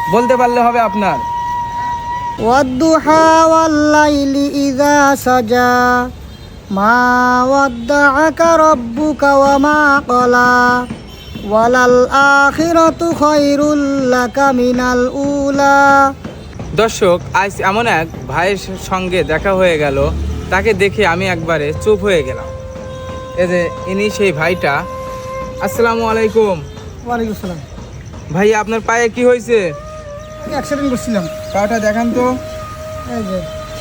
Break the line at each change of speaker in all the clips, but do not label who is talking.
বলতে পারলে হবে আপনার।
ওয়াদ্দুহা ওয়াল্লাইলি ইযা সাজা মা ওয়াদ্দাআকা রাব্বুকা ওয়া মা ক্বালা ওয়ালাল আখিরাতু খায়রুল লাকা মিনাল উলা।
দর্শক, আজ এমন এক ভাইয়ের সঙ্গে দেখা হয়ে গেল, তাকে দেখে আমি একবারে চুপ হয়ে গেলাম। এই যে ইনি সেই ভাইটা। আসসালামু আলাইকুম।
ওয়ালাইকুম আসসালাম।
ভাই, আপনার পায়ে কি হয়েছে?
অ্যাক্সিডেন্ট করছিলাম।
পাটা দেখান তো।
এই যে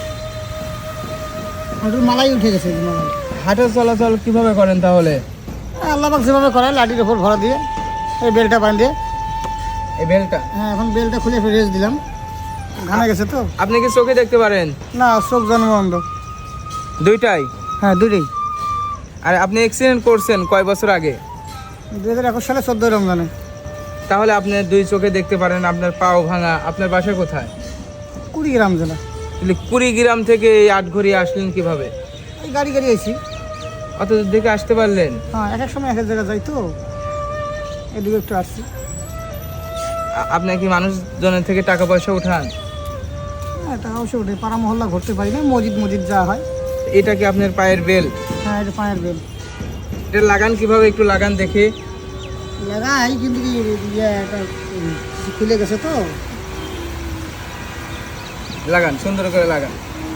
হাঁটুর মালাই উঠে গেছে। মালাই
হাঁটা চলাচল কিভাবে করেন তাহলে?
আল্লাহ পাক যেভাবে করে, লাঠির ওপর ভরা দিয়ে এই বেলটা বাঁধিয়ে।
এই বেলটা?
হ্যাঁ, এখন বেলটা খুলে রেস্ট দিলাম, ঘামে গেছে তো।
আপনি কি চোখে দেখতে পারেন?
না, চোখ জন্ম বন্ধ।
দুইটাই?
হ্যাঁ, দুটোই।
আর আপনি অ্যাক্সিডেন্ট করছেন কয় বছর আগে?
2021 সালে 14 রমজানে।
তাহলে আপনি দুই চোখে দেখতে পারেন, আপনার পাও ভাঙা। আপনার বাসা কোথায়?
কুড়িগ্রাম জেলা।
তাহলে কুড়িগ্রাম থেকে এই আটঘরিয়া আসলেন কিভাবে?
এই গাড়ি আইছি।
অত দূর থেকে আসতে পারলেন?
হ্যাঁ, এক এক সময় এক এক জায়গায় যাই তো, এদিকে একটু আসছি।
আপনি কি মানুষজনের থেকে টাকা পয়সা উঠান?
হ্যাঁ, টাকা অবশ্যই উঠে। পাড়া মহল্লা ঘুরতে পারি না, মসজিদ যা হয়।
এটা কি আপনার পায়ের বেল?
হ্যাঁ, এটা পায়ের বেল।
এটা লাগান কিভাবে, একটু লাগান দেখি।
লাগাই, কিন্তু কি এটা খুলে গেছে তো।
লাগান, সুন্দর করে লাগান।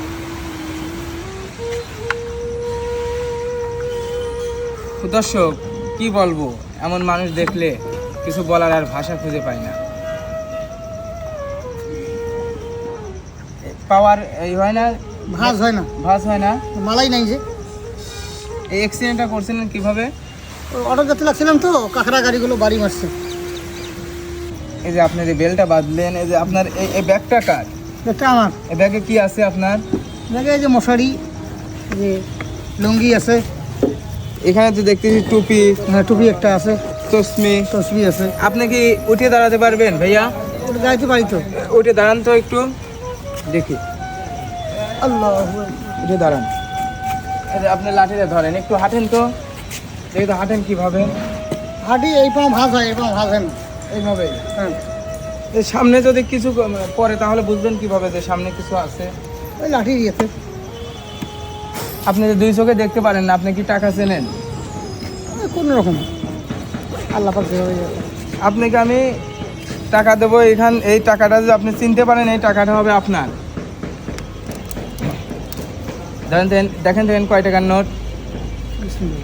দর্শক, কি বলবো, এমন মানুষ দেখলে কিছু বলার আর ভাষা খুঁজে পাই না। পাওয়ার এই হয় না,
ভাঁজ হয় না।
ভাঁজ হয় না।
মালাই নাই যে।
এই অ্যাক্সিডেন্টটা করছিলেন কিভাবে?
অটো যেতে লাগছিলাম তো, কাঁকড়া গাড়িগুলো বাড়ি মারছে।
এই যে আপনার এই বেলটা বাঁধলেন, এই যে আপনার এই ব্যাগটা কার?
একটা আমার।
এই ব্যাগে কি আছে আপনার?
দেখে এই যে মশারি, যে লুঙ্গি আছে।
এখানে তো দেখতেছি টুপি।
হ্যাঁ, টুপি একটা আছে,
তসমি।
তসবি আছে।
আপনি কি উঠে দাঁড়াতে পারবেন ভাইয়া?
ওটা যাইতে পারি তো।
উঠে দাঁড়ান তো একটু দেখি।
আল্লাহ,
উঠে দাঁড়ান। এই যে আপনি লাঠিটা ধরেন, একটু হাঁটেন তো দেখি তো, হাঁটেন কিভাবে?
হাঁটি, এই পাও ভাঁজ হয়, এই পাও ভাঁজ হয় না।
এইভাবে?
হ্যাঁ,
এই সামনে যদি কিছু পরে তাহলে বুঝবেন কিভাবে যে সামনে কিছু আছে?
ওই লাঠি দিয়েছে।
আপনি যে দুই চোখে দেখতে পারেন না, আপনি কি টাকা চেনেন?
কোনো রকম আল্লাহ পাক যেভাবে ইয়ে করে।
আপনাকে আমি টাকা দেবো, এই টাকাটা যদি আপনি চিনতে পারেন, এই টাকাটা হবে আপনার। দেখেন দেখেন কয় টাকার নোট।
বিসমিল্লাহ।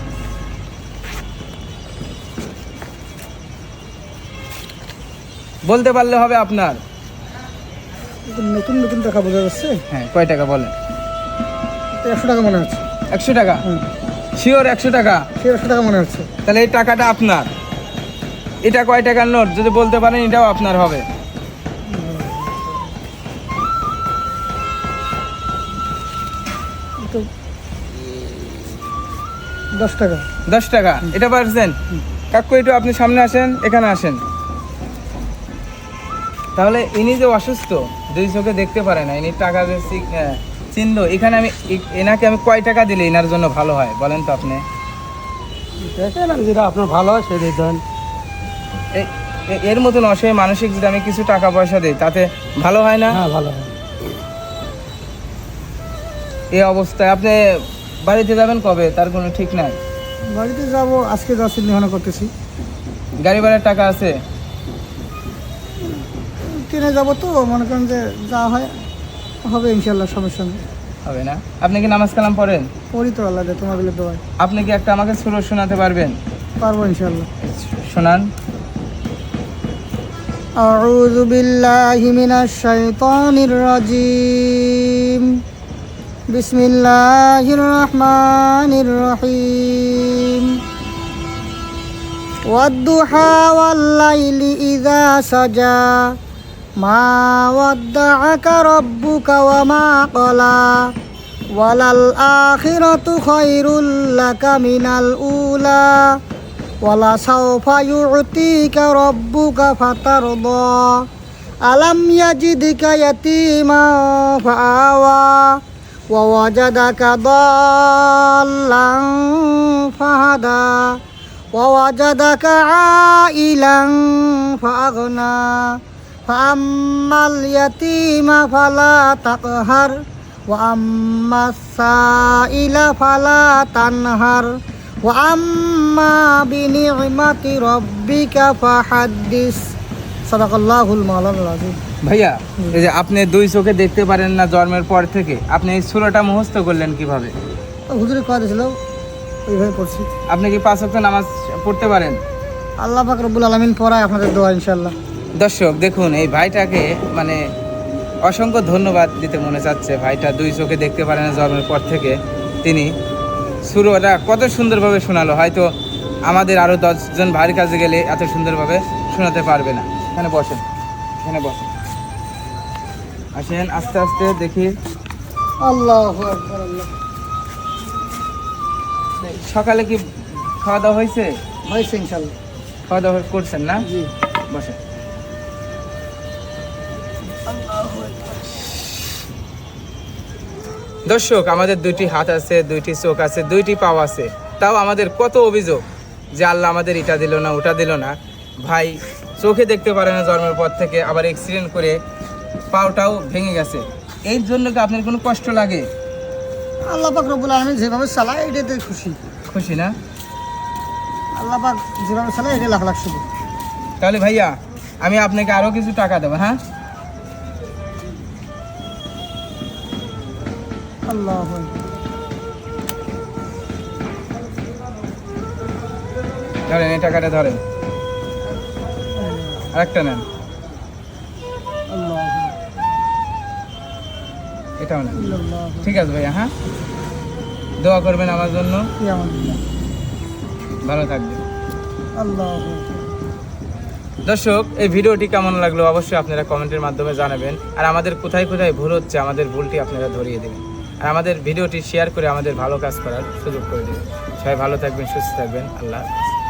বলতে পারলে হবে আপনার।
এটা নতুন নতুন টাকা বোঝা যাচ্ছে।
হ্যাঁ, কয় টাকা বলেন?
100 টাকা মনে হচ্ছে।
100 টাকা?
হুম,
শিওর 100 টাকা?
সে 100 টাকা মনে হচ্ছে।
তাহলে এই টাকাটা আপনার। এটা কয় টাকার নোট যদি বলতে পারেন, এটাও আপনার হবে।
তো 10 টাকা।
10 টাকা? এটা পারছেন? কাকু, একটু আপনি সামনে আসেন, এখানে আসেন। তাহলে ইনি যে অসুস্থ, দুই চোখে দেখতে পারে না, ইনি টাকা যে চিনলো, এখানে আমি এনাকে আমি কয় টাকা দিলে এনার জন্য ভালো হয় বলেন তো আপনি?
দেখেন, যেটা আপনার ভালো হয় সেটাই দেন।
এর মতন অসহায় মানসিক যদি আমি কিছু টাকা পয়সা দিই, তাতে ভালো হয় না?
হ্যাঁ, ভালো হয়।
এই অবস্থায় আপনি বাড়িতে যাবেন কবে, তার কোনো ঠিক নাই?
বাড়িতে যাব, আজকে যাওয়ার চিন্তা ভাবনা করতেছি।
গাড়ি ভাড়ার টাকা আছে?
ট্রেনে যাবো তো, মনে করেন যে যা হয় হবে ইনশাল্লাহ, সমস্যা নেই।
হবে না? আপনি কি নামাজ কালাম পড়েন?
পড়ি তো, আল্লাহ দে তোমাদের দোয়ায়।
আপনি কি একটা আমাকে সুর শোনাতে পারবেন?
পারবো ইনশাল্লাহ।
শোনান।
আউযু বিল্লাহি মিনাশ শাইতানির রাজিম। বিসমিল্লাহির রহমানির রহিম। ওয়াদ্দুহা ওয়াল্লাইলি ইযা সাজা মা ওয়াদ্দাআকা রাব্বুকা ওয়া মা ক্বালা ওয়ালাল আখিরাতু খায়রুল লাকা মিনাল উলা ওয়ালা সাওফা ইউ'তিকা রাব্বুকা ফাতারদা আলাম ইয়াজিদকা ইয়াতীমান ফাআওয়া ওয়া ওয়াজাদাকা দাল্লান ফাহাদা ওয়া ওয়াজাদাকা আইলান ফাআগনা ফাম্মাল ইয়াতীমা ফালা তাকহার ওয়া আম্মাস সাইলা ফালা তানহার ওয়া আম্মা বিনি'মাতি রাব্বিকা ফাহাদ্দিস। সাদাকাল্লাহুল মাওলানাল আযীম।
ভাইয়া এই যে আপনি দুই চোখে দেখতে পারেন না জন্মের পর থেকে, আপনি এই সূরাটা মুখস্থ করলেন কিভাবে?
হুজুরে কয় দিয়েছিল ওইভাবে পড়ছি।
আপনি কি 5 ওয়াক্ত নামাজ পড়তে পারেন?
আল্লাহ পাক রব্বুল আলামিন পড়ায়, আপনাদের দোয়া ইনশাআল্লাহ।
দর্শক দেখুন, এই ভাইটাকে মানে অসংখ্য ধন্যবাদ দিতে মনে চাচ্ছে। ভাইটা দুই চোখে দেখতে পারে না জন্মের পর থেকে, তিনি সূরাটা কত সুন্দরভাবে শোনালো। হয়তো আমাদের আরও 10 জন ভাইয়ের কাছে গেলে এত সুন্দরভাবে শোনাতে পারবে না। এখানে বসেন, এখানে বসেন, আসেন আস্তে আস্তে দেখি।
আল্লাহু আকবার। আল্লাহ
সকালে কি খাওয়া দাওয়া হয়েছে?
হয়েছে ইনশাআল্লাহ।
খাওয়া দাওয়া করছেন না?
জি।
বসেন। দর্শক, আমাদের দুইটি হাত আছে, দুইটি চোখ আছে, দুইটি পাও আছে, তাও আমাদের কত অভিযোগ যে আল্লাহ আমাদের এটা দিল না, ওটা দিল না। ভাই চোখে দেখতে পারে না জন্মের পর থেকে, আবার অ্যাক্সিডেন্ট করে পাওটাও ভেঙে গেছে। এই জন্য কি আপনার কোনো কষ্ট লাগে?
আল্লাহ পাক রব্বুল আলামিন যেভাবে চালায় এটাতে খুশি।
খুশি না?
আল্লাহ পাক যেভাবে চালায় এটা লাখ লাখ শুধু।
তাহলে ভাইয়া আমি আপনাকে আরও কিছু টাকা দেবো, হ্যাঁ?
আল্লাহু আকবার।
ধরেন, এই টাকাটা ধরেন, আরেকটা নেন,
আল্লাহু আকবার।
এটাও নেন।
আল্লাহু
ঠিক আছে ভাইয়া, হ্যাঁ? দোয়া করবেন আমার জন্য,
কিয়ামত।
ভালো থাকবেন।
আল্লাহু আকবার।
দর্শক, এই ভিডিওটি কেমন লাগলো অবশ্যই আপনারা কমেন্টের মাধ্যমে জানাবেন। আর আমাদের কোথায় কোথায় ভুল হচ্ছে আমাদের ভুলটি আপনারা ধরিয়ে দেবেন। আর আমাদের ভিডিওটি শেয়ার করে আমাদের ভালো কাজ করার সুযোগ করে দেবেন। সবাই ভালো থাকবেন, সুস্থ থাকবেন। আল্লাহ হাফেজ।